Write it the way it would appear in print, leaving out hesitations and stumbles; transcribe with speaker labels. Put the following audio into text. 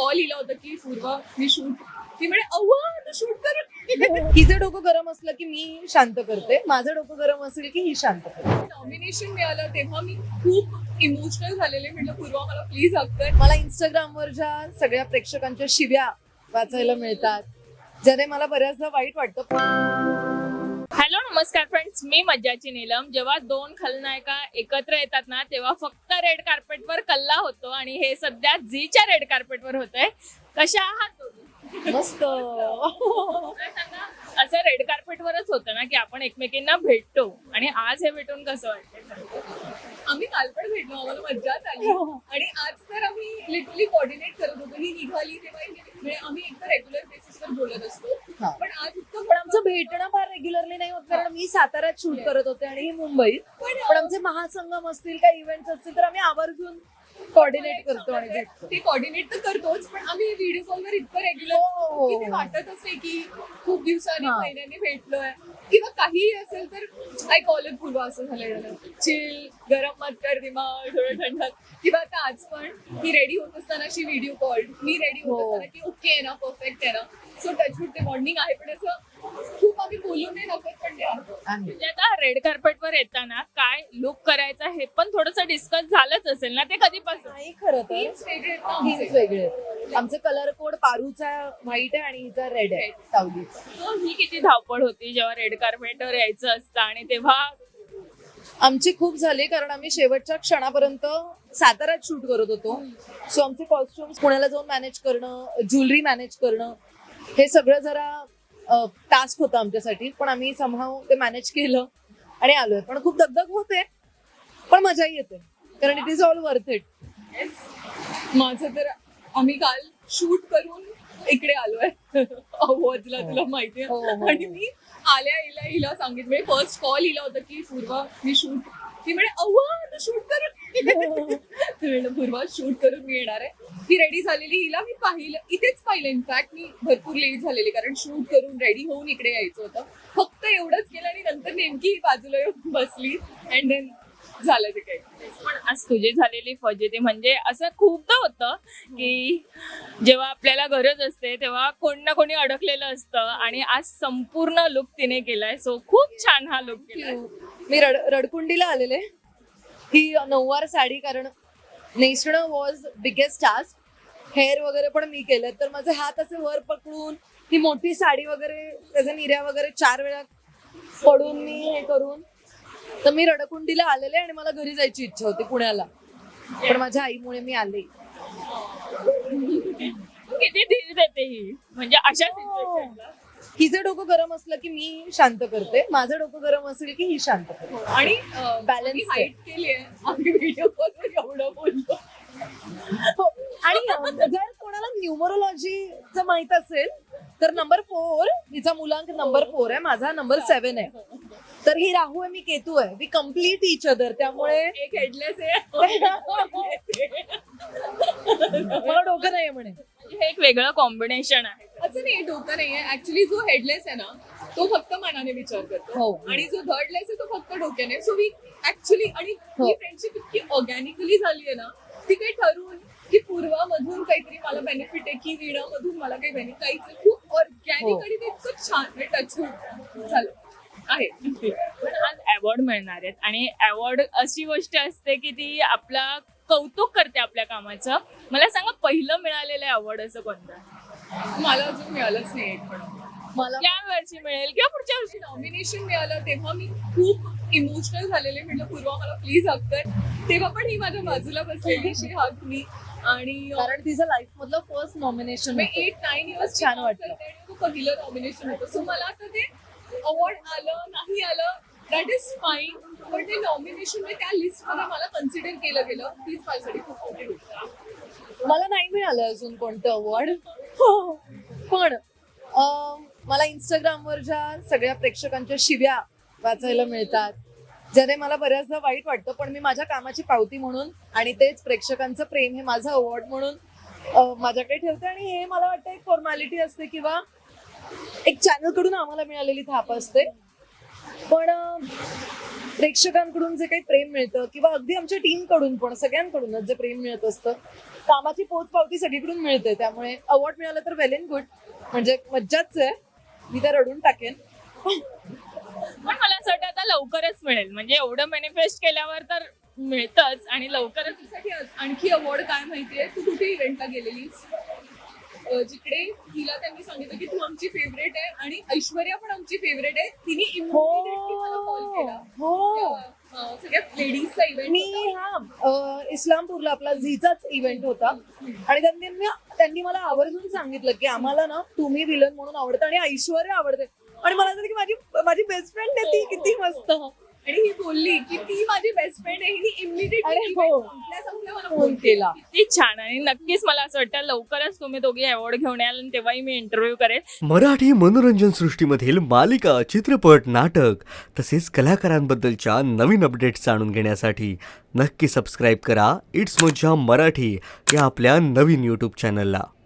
Speaker 1: Call लिहिला होता की पूर्वा मी शूट, ती म्हणे अव्वा तू शूट कर.
Speaker 2: हिचं डोकं गरम असलं की मी शांत करते, माझं डोकं गरम असेल की ही शांत करते.
Speaker 1: नॉमिनेशन मिळालं तेव्हा मी खूप इमोशनल झालेले. म्हटलं पूर्वा मला प्लीज हक कर.
Speaker 2: मला इंस्टाग्रामवर ज्या सगळ्या प्रेक्षकांच्या शिव्या वाचायला मिळतात, ज्याने मला बऱ्याचदा वाईट वाटतं.
Speaker 3: हॅलो नमस्कार फ्रेंड्स, मी मज्जाची नीलम. जेव्हा दोन खलनायिका एकत्र येतात ना, तेव्हा फक्त रेड कार्पेटवर कल्ला होतो आणि हे सध्या झीच्या रेड कार्पेटवर होतंय. कशा आहात तुम्ही?
Speaker 2: मस्त.
Speaker 3: मला सांगा, असं रेड कार्पेटवरच होतं ना की आपण एकमेकींना भेटतो, आणि आज हे भेटून कसं वाटतं?
Speaker 1: आम्ही काल पण भेटलो, आम्हाला मज्जाच आली. आणि आज तर आम्ही लिटरली कोऑर्डिनेट करत होतो. ही निघाली तेव्हा म्हणजे आम्ही एकदा रेग्युलर बेसिसवर बोलत असतो,
Speaker 2: हा.
Speaker 1: पण आज इतकं
Speaker 2: पण आमचं भेटणं फार रेग्युलरली नाही होत, कारण मी साताऱ्यात शूट करत होते आणि ही मुंबईत. पण आमचे महासंगम असतील, काही इव्हेंट्स असतील तर आम्ही आवर्जून कोऑर्डिनेट करतो आणि भेटतो.
Speaker 1: ते कोऑर्डिनेट तर करतोच, पण आम्ही व्हिडिओ कॉलवर इतकं रेग्युलर
Speaker 2: हो.
Speaker 1: की ते वाटतच नाही की खूप दिवसांनी
Speaker 2: हा.
Speaker 1: महिन्यांनी भेटलोय किंवा काहीही असेल तर आय कॉल इट पूर्वा असं झालं. चिल, गरम मत कर दिमाग, थोडं थंड. किंवा आता आज पण ही रेडी होत असताना शी व्हिडिओ कॉल, मी रेडी होत
Speaker 2: हो.
Speaker 1: असताना की ओके आहे ना, परफेक्ट आहे ना. सो टचवूड ते बॉन्डिंग आहे, पण असं खूप आम्ही बोलून नाही नको, पण ते आहे.
Speaker 3: म्हणजे आता रेड कार्पेटवर येताना काय लुक करायचा हे पण थोडंसं डिस्कस झालंच असेल ना, ते कधीपासून?
Speaker 2: नाही, खरं तर
Speaker 1: Themes वेगळे आहेत ना
Speaker 2: थीम्स
Speaker 1: आमचे.
Speaker 2: वेगळे आहेत. आमचे कलर कोड पारूचा व्हाईट आहे आणि हिचा रेड आहे, सावलीचा.
Speaker 3: So, ही किती धावपळ होती जेव्हा रेड कार्पेटवर यायचं असतं, आणि तेव्हा
Speaker 2: आमची खूप झाली, कारण आम्ही शेवटच्या क्षणापर्यंत साताऱ्यात शूट करत होतो. सो आमचे कॉस्ट्युम्स पुण्याला जाऊन मॅनेज करणं, ज्वेलरी मॅनेज करणं, हे सगळं जरा टास्क होतं आमच्यासाठी. पण आम्ही समहाव ते मॅनेज केलं आणि आलोय. पण खूप दगदग होते, पण मजाही येते, कारण it is all worth it.
Speaker 1: माझं तर आम्ही काल शूट करून इकडे आलोय अवॉर्ड्सला, तुला माहितीये.
Speaker 2: हो, हो.
Speaker 1: आणि मी आल्या हिला सांगितलं, म्हणजे फर्स्ट कॉल लिहिला होता की पूर्वा मी शूट, ती म्हणे अव्वा तू शूट कर. म्हणलं पूर्वा शूट करून मी येणार आहे. ती रेडी झालेली, हिला मी इथेच पाहिलं. इनफॅक्ट मी भरपूर लेट झालेली, कारण शूट करून रेडी होऊन इकडे यायचं होतं. फक्त एवढंच केलं आणि नंतर नेमकी बाजूला येऊन बसली अँड देन झालं ते काही.
Speaker 3: पण आज तुझी झालेली फजिती, म्हणजे असं खूपदा होतं की जेव्हा आपल्याला गरज असते तेव्हा कोण ना कोणी अडकलेलं असतं, आणि आज संपूर्ण लुक तिने केलाय. सो खूप छान हा लुक केलाय.
Speaker 2: मी रडकुंडीला आलेले. ही नऊवार साडी, कारण नेसणं वॉज बिगेस्ट टास्क. हेअर वगैरे पण मी केलं, तर माझे हात असे वर पकडून ही मोठी साडी वगैरे, त्याच्या निर्या वगैरे 4 वेळा पडून मी हे करून, तर मी रडकुंडीला आलेले आणि मला घरी जायची इच्छा होती पुण्याला, पण माझ्या आईमुळे मी आले.
Speaker 3: किती धीर देते ही, म्हणजे अशा सिच्युएशनला.
Speaker 2: हिचं डोकं गरम असलं की मी शांत करते, माझं डोकं गरम असेल की ही शांत करते.
Speaker 1: आणि
Speaker 2: Balance
Speaker 1: आम्ही हाईट केली आहे, आम्ही व्हिडिओ कॉलवर एवढं बोललो.
Speaker 2: हो. आणि जर कोणाला न्यूमरोलॉजीचं माहित असेल तर नंबर 4, हिचा मुलांक नंबर 4 आहे, माझा नंबर 7 आहे. तर ही राहू आहे, मी केतू आहे. We complete each other. त्यामुळे
Speaker 1: एक हेडलेस आहे.
Speaker 2: मला डोकं नाही म्हणे.
Speaker 3: म्हणजे हे एक वेगळं कॉम्बिनेशन आहे.
Speaker 1: असं नाही, डोकं नाहीये. ऍक्च्युली जो हेडलेस आहे ना, तो फक्त मनाने विचार करतो,
Speaker 2: हो.
Speaker 1: आणि जो थर्डलेस आहे तो फक्त डोक्याने. सो वी ऍक्च्युली, आणि
Speaker 2: हो.
Speaker 1: ही फ्रेंडशिप इतकी ऑर्गॅनिकली झाली आहे ना, ती काही ठरवून की पूर्वामधून काहीतरी मला बेनिफिट आहे की वीणामधून मला काही बेनिफिट, काहीच नाही. खूप ऑर्गॅनिक
Speaker 2: हो.
Speaker 1: आणि ते इतकं छान टचवूड झालं आहे.
Speaker 3: पण आज अवॉर्ड मिळणार आहेत, आणि अवॉर्ड अशी गोष्ट असते की ती आपला कौतुक करते आपल्या कामाचं. मला सांगा, पहिलं मिळालेलं अवॉर्ड असं कोणतं?
Speaker 1: मला अजून मिळालंच नाही एक पण.
Speaker 2: मला
Speaker 3: या वर्षी मिळेल किंवा पुढच्या वर्षी?
Speaker 1: नॉमिनेशन मिळालं तेव्हा मी खूप इमोशनल झालेले. म्हटलं पूर्वा मला प्लीज हक कर. तेव्हा पण ही माझ्या बाजूला बसलेली शी हक मी. आणि
Speaker 2: कारण तिचं लाईफ मधलं फर्स्ट नॉमिनेशन
Speaker 1: 8-9 इयर्स
Speaker 2: छान वाटलं.
Speaker 1: तो पहिलं नॉमिनेशन होतं. सो मला आता ते अवॉर्ड आलं नाही आलं दॅट इज फाईन, पण ते नॉमिनेशन त्या लिस्टमध्ये मला कन्सिडर केलं गेलं, तीच माझ्यासाठी खूप मोठी गोष्ट.
Speaker 2: मला नाही मिळालं अजून कोणतं अवॉर्ड. पण मला इंस्टाग्रामवर ज्या सगळ्या प्रेक्षकांच्या शिव्या वाचायला मिळतात, ज्याने मला बऱ्याचदा वाईट वाटतं, पण मी माझ्या कामाची पावती म्हणून आणि तेच प्रेक्षकांचं प्रेम हे माझं अवॉर्ड म्हणून माझ्याकडे ठेवते. आणि हे मला वाटतं एक फॉर्मॅलिटी असते किंवा एक चॅनल कडून आम्हाला मिळालेली थाप असते. पण प्रेक्षकांकडून जे काही प्रेम मिळतं किंवा अगदी आमच्या टीमकडून पण सगळ्यांकडूनच जे प्रेम मिळत असतं, कामाची पोचपावती सगळीकडून मिळते. त्यामुळे अवॉर्ड मिळालं तर वेल अँड गुड, म्हणजे मज्जाच आहे. मी तर रडून टाकेन.
Speaker 3: पण मला असं वाटतं आता लवकरच मिळेल, म्हणजे एवढं मॅनिफेस्ट केल्यावर तर मिळतंच आणि लवकरच.
Speaker 1: साठी आणखी अवॉर्ड काय माहितीये, तू कुठे इव्हेंटला गेलेलीस जिकडे तिला त्यांनी सांगितलं की तू आमची फेवरेट आहे आणि ऐश्वर्या पण आमची फेवरेट आहे, तिने immediately मला कॉल केला.
Speaker 2: हो.
Speaker 1: सगळ्या लेडीजचा इव्हेंट
Speaker 2: मी इस्लामपूरला आपला झीचाच इव्हेंट होता आणि त्यांनी मला आवर्जून सांगितलं की आम्हाला ना तुम्ही विलन म्हणून आवडतं आणि ऐश्वर्या आवडते. आणि मला असं की माझी बेस्ट फ्रेंड आहे ती, किती मस्त.
Speaker 1: आणि ही बोलली की ती माझी बेस्ट फ्रेंड आहे, हिने
Speaker 2: अरे
Speaker 1: इमिडिएटली
Speaker 2: हो.
Speaker 1: संपल्या मला
Speaker 2: फोन केला.
Speaker 3: किती छान. आणि नक्कीच मला असं वाटतं लवकरच तुम्ही दोघी अवॉर्ड घेऊन याल आणि तेव्हाही मी इंटरव्ह्यू करेल.
Speaker 4: मराठी मनोरंजन सृष्टीमधील मालिका, चित्रपट, नाटक तसेच कलाकारांबद्दलच्या नवीन अपडेट्स जाणून घेण्यासाठी नक्की सबस्क्राईब करा इट्स मज्जा मराठी या आपल्या नवीन यूट्यूब चॅनलला.